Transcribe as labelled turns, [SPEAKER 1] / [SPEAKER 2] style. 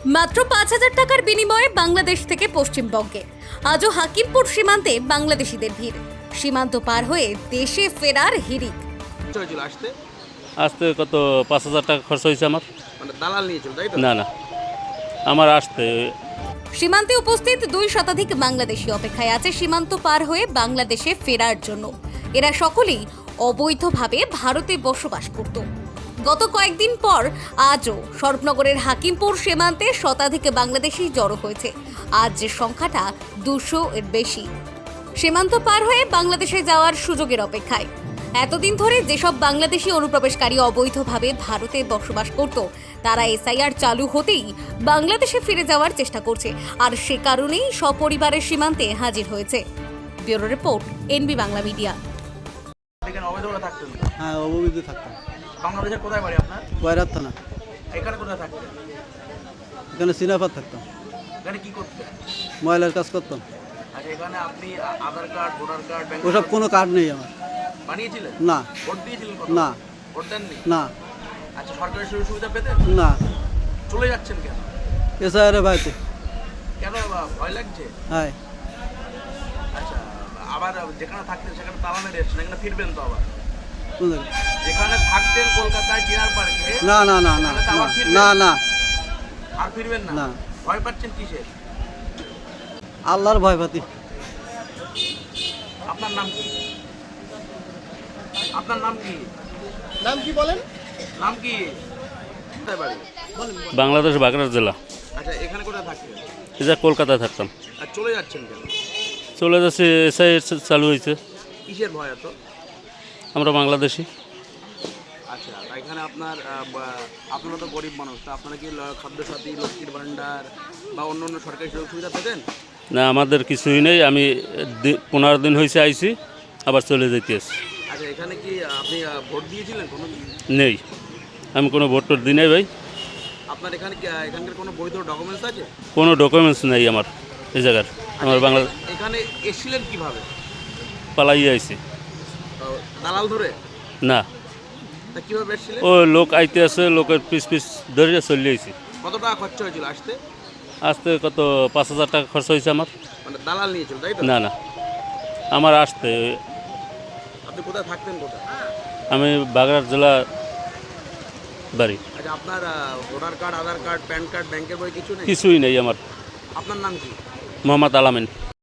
[SPEAKER 1] মাত্র ৫,০০০ টাকার বিনিময়ে বাংলাদেশ থেকে পশ্চিমবঙ্গে আজও হাকিমপুর সীমান্তে বাংলাদেশিদের ভিড়। সীমান্ত পার হয়ে দেশে ফেরার হিড়িক।
[SPEAKER 2] হয়েছিল আসতে?
[SPEAKER 3] আসতে কত ৫,০০০ টাকা খরচ হয়েছে আমার।
[SPEAKER 2] মানে দালাল নিয়েছিল তাই তো?
[SPEAKER 3] না আমার আসতে
[SPEAKER 1] সীমান্তে উপস্থিত ২ শতাধিক বাংলাদেশি অপেক্ষায় আছে সীমান্ত পার হয়ে বাংলাদেশে ফেরার জন্য। এরা সকলেই অবৈধভাবে ভারতে বসবাস করত। গত কয়েকদিন পর আজও স্বরূপনগরের হাকিমপুর সীমান্তে শতাধিক বাংলাদেশি জড়ো হয়েছে। আজ যে সংখ্যাটা ২০০ এর বেশি। সীমান্ত পার হয়ে বাংলাদেশে যাওয়ার সুযোগের অপেক্ষায়। এতদিন ধরে যেসব বাংলাদেশি অনুপ্রবেশকারী অবৈধভাবে ভারতে বসবাস করত, তারা এসআইআর চালু হতেই বাংলাদেশে ফিরে যাওয়ার চেষ্টা করছে, আর সে কারণেই সপরিবারের সীমান্তে হাজির হয়েছে। Bureau report, NB Bangla media.
[SPEAKER 2] এখানে অবৈধভাবে থাকতেন?
[SPEAKER 4] হ্যাঁ, অবৈধ থাকতাম।
[SPEAKER 2] বাংলাদেশের কোথায় বাড়ি আপনার?
[SPEAKER 4] বয়রাত থানা।
[SPEAKER 2] এখানে কোথায় থাকতেন?
[SPEAKER 4] এখানে সিনাফাত থাকতাম,
[SPEAKER 2] এখানে কি করতেন?
[SPEAKER 4] ময়লার কাজ করতাম।
[SPEAKER 2] আচ্ছা, এখানে আপনি Aadhaar card, voter card, bank
[SPEAKER 4] ওসব কোনো কার্ড নেই আমার।
[SPEAKER 2] বানিয়েছিলেন?
[SPEAKER 4] না।
[SPEAKER 2] ভোট দিয়েছিলেন?
[SPEAKER 4] না।
[SPEAKER 2] ভোট দেননি?
[SPEAKER 4] না।
[SPEAKER 2] আচ্ছা, সরকারি সুযোগ সুবিধা পেতেন?
[SPEAKER 4] না।
[SPEAKER 2] চলে যাচ্ছেন কেন?
[SPEAKER 4] এসআইআর বাড়িতে।
[SPEAKER 2] কেন ভয় লাগছে?
[SPEAKER 4] হ্যাঁ।
[SPEAKER 2] আচ্ছা, আবার যেখানে থাকতেন সেখানে তালা মেরে এসছেন, এখানে ফিরবেন তো আবার?
[SPEAKER 4] কোন জায়গায়?
[SPEAKER 2] যেখানে থাকতেন কলকাতায় চিনার পার্কে,
[SPEAKER 4] না না না না
[SPEAKER 2] সেখানে তো আবার ফিরবেন?
[SPEAKER 4] না না
[SPEAKER 2] আর ফিরবেন না?
[SPEAKER 4] না।
[SPEAKER 2] ভয় পাচ্ছেন কিসের?
[SPEAKER 4] আল্লাহর ভয় পাতি।
[SPEAKER 2] আপনার নাম কি? আপনার নাম কি?
[SPEAKER 4] নাম কি বলেন?
[SPEAKER 2] নাম কি? কোথায় বাড়ি?
[SPEAKER 3] বাংলাদেশ বাগড়া জেলা।
[SPEAKER 2] আচ্ছা, এখানে কোথায় থাকতেন?
[SPEAKER 3] এটা কলকাতায় থাকতাম।
[SPEAKER 2] আর চলে যাচ্ছেন কেন?
[SPEAKER 3] চলে যাচ্ছে, এসআইআর চালু হয়েছে।
[SPEAKER 2] কিসের ভয় এত?
[SPEAKER 3] আমরা বাংলাদেশি।
[SPEAKER 2] আচ্ছা, এখানে আপনারা তো গরিব মানুষ, তা আপনারা কি খাদ্যসাথী, লক্ষ্মীর ভাণ্ডার বা অন্য অন্য সরকারি সুযোগ সুবিধা পেতেন?
[SPEAKER 3] না, আমাদের কিছুই নেই। আমি 15 দিন হয়েছে আইছি, আবার চলে যেতে আসছি।
[SPEAKER 2] আচ্ছা, এখানে কি আপনি ভোট দিয়েছিলেন কোনো?
[SPEAKER 3] নেই, আমি কোনো ভোট টোট দিই নাই ভাই।
[SPEAKER 2] আপনার এখানকার কোনো বৈধ ডকুমেন্টস আছে?
[SPEAKER 3] কোনো ডকুমেন্টস নেই আমার এই জায়গার। আমার বাংলা
[SPEAKER 2] এখানে এসেছিলেন কিভাবে?
[SPEAKER 3] পালাই আইছি।
[SPEAKER 2] দালাল ধরে?
[SPEAKER 3] না,
[SPEAKER 2] তা কিভাবে এসেছিলেন?
[SPEAKER 3] ও লোক আইতে আছে, লোকের পিস ধরে চলে আইছি।
[SPEAKER 2] কত টাকা খরচা হয়েছিল আসতে?
[SPEAKER 3] আসতে কত ৫,০০০ টাকা খরচ হয়েছে আমার।
[SPEAKER 2] মানে দালাল নিয়েছিল তাই তো?
[SPEAKER 3] না আমার আসতে।
[SPEAKER 2] আপনি কোথায় থাকতেন কোথায়?
[SPEAKER 3] আমি বাগড়া জেলা বাড়ি।
[SPEAKER 2] আচ্ছা, আপনার voter card, Aadhaar card, PAN card, ব্যাংকের বই কিছু নেই?
[SPEAKER 3] কিছুই নেই আমার।
[SPEAKER 2] আপনার নাম কি?
[SPEAKER 3] মোহাম্মদ আলামিন।